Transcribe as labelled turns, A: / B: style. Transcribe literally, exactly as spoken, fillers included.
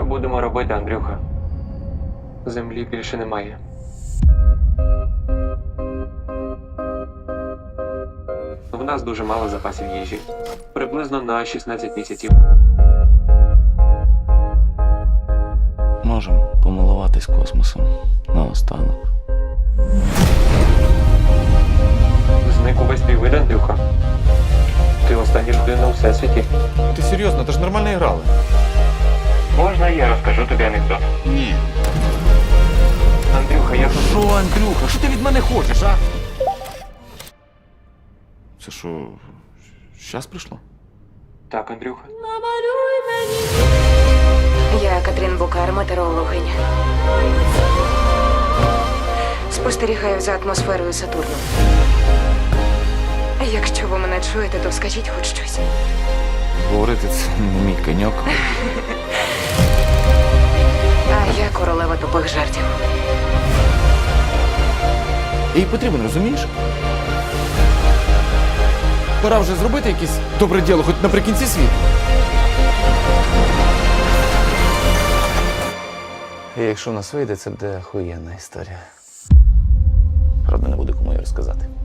A: Що будемо робити, Андрюха? Землі більше немає. В нас дуже мало запасів їжі. Приблизно на шістнадцять місяців.
B: Можемо помилуватись космосом наостанок.
A: Зник увесь твій вид, Андрюха. Ти остання людина у всесвіті.
C: Ти серйозно, ти ж нормально грали.
A: Можна я розкажу тобі анекдот?
B: Ні.
A: Андрюха, я тут...
C: Що, Андрюха, що ти від мене хочеш, а? Це що, щас прийшло?
A: Так, Андрюха.
D: Я Катрін Букар, метеорологиня. Спостерігаю за атмосферою Сатурну. Якщо ви мене чуєте, то скажіть хоч щось.
C: Говорити це не мій коньок.
D: А я королева тупих жартів.
C: Їй потрібен, розумієш? Пора вже зробити якесь добре діло, хоч наприкінці світу.
B: І якщо у нас вийде, це буде охуєнна історія. Правда, не буде кому її розказати.